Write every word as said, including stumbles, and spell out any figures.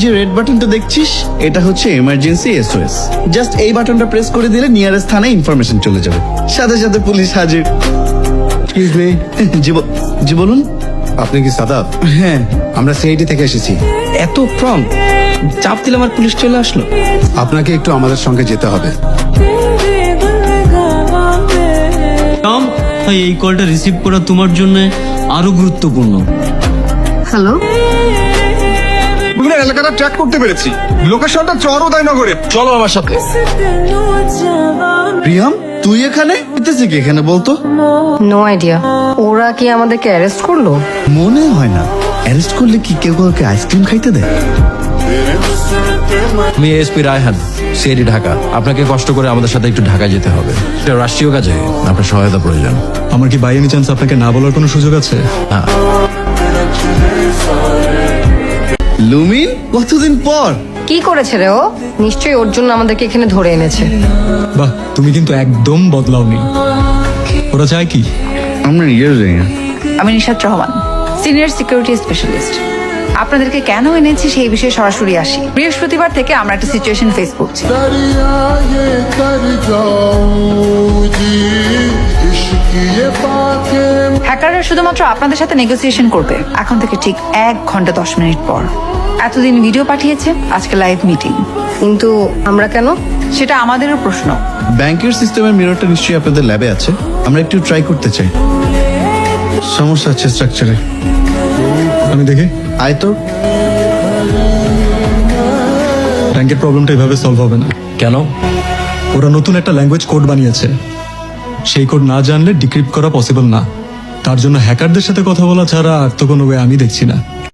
যে রেড বাটনটা দেখছিস এটা হচ্ছে এমার্জেন্সি এসওএস। জাস্ট এই বাটনটা প্রেস করে দিলে নিয়ারেস্ট থানায় ইনফরমেশন চলে যাবে, সাথে সাথে পুলিশ হাজির। এক্সকিউজ মি, জি ব- জি বলুন। আপনি কি সাদাব? হ্যাঁ, আমরা সিআইডি থেকে এসেছি। এত প্রম চাপ দিলাম আর পুলিশ চলে আসলো। আপনাকে একটু আমাদের সঙ্গে যেতে হবে। টম, ভাই এই কলটা রিসিভ করা তোমার জন্য আরো গুরুত্বপূর্ণ। হ্যালো, বিভিন্ন এলাকাটা ট্র্যাক করতে পেরেছি। লোকেশনটা চরোদয়নগরে। চলো আমার সাথে। প্রিয়াম তুই এখানে এতেছি কি এখানে বলতো? No idea. ওরা কি আমাদেরকে অ্যারেস্ট করলো? মনে হয় না। অ্যারেস্ট করলে কি কেউ কাউকে আইসক্রিম খাইতে দেয়? আমি এসপি রায়হান, সিআইডি ঢাকা। আপনাকে কষ্ট করে আমাদের সাথে একটু ঢাকা যেতে হবে। এটা রাষ্ট্রীয় কাজে আপনার সহায়তা প্রয়োজন। আমার কি বাই এনি চান্স আপনাকে না বলার কোনো সুযোগ আছে? হ্যাঁ, লুমিন, কতদিন পর। কি করেছে রে ও? নিশ্চয়ই ওর জন্য আমাদেরকে এখানে ধরে এনেছে। বাহ, তুমি কিন্তু একদম বদলাওনি। ওরা চায় কি? আমরা ইয়ে যাই না। আমি Nishat Rahman, senior security specialist. আপনাদেরকে কেন এনেছি সেই বিষয়ে সরাসরি আসি। বৃহস্পতিবার থেকে আমরা একটা সিচুয়েশন ফেস করছি। হ্যাকাররা শুধুমাত্র আপনাদের সাথে নেগোসিয়েশন করবে এখন থেকে ঠিক এক ঘন্টা দশ মিনিট পর। এতদিন ভিডিও পাঠিয়েছে, আজকে লাইভ মিটিং। কিন্তু আমরা কেন? সেটা আমাদেরও প্রশ্ন। ব্যাংকের সিস্টেমের মিররটা নিশ্চয়ই আপনাদের ল্যাবে আছে, আমরা একটু ট্রাই করতে চাই। সমস্যা আছে স্ট্রাকচারে। আমি দেখি। আয় তো। ব্যাংকের প্রবলেমটা এভাবে সলভ হবে না। কেন? ওরা নতুন একটা ল্যাঙ্গুয়েজ কোড বানিয়েছে। সেই কোড না জানলে ডিক্রিপ্ট করা পসিবল না। তার জন্য হ্যাকারদের সাথে কথা বলা ছাড়া আর তো কোনো ওয়ে আমি দেখছি না।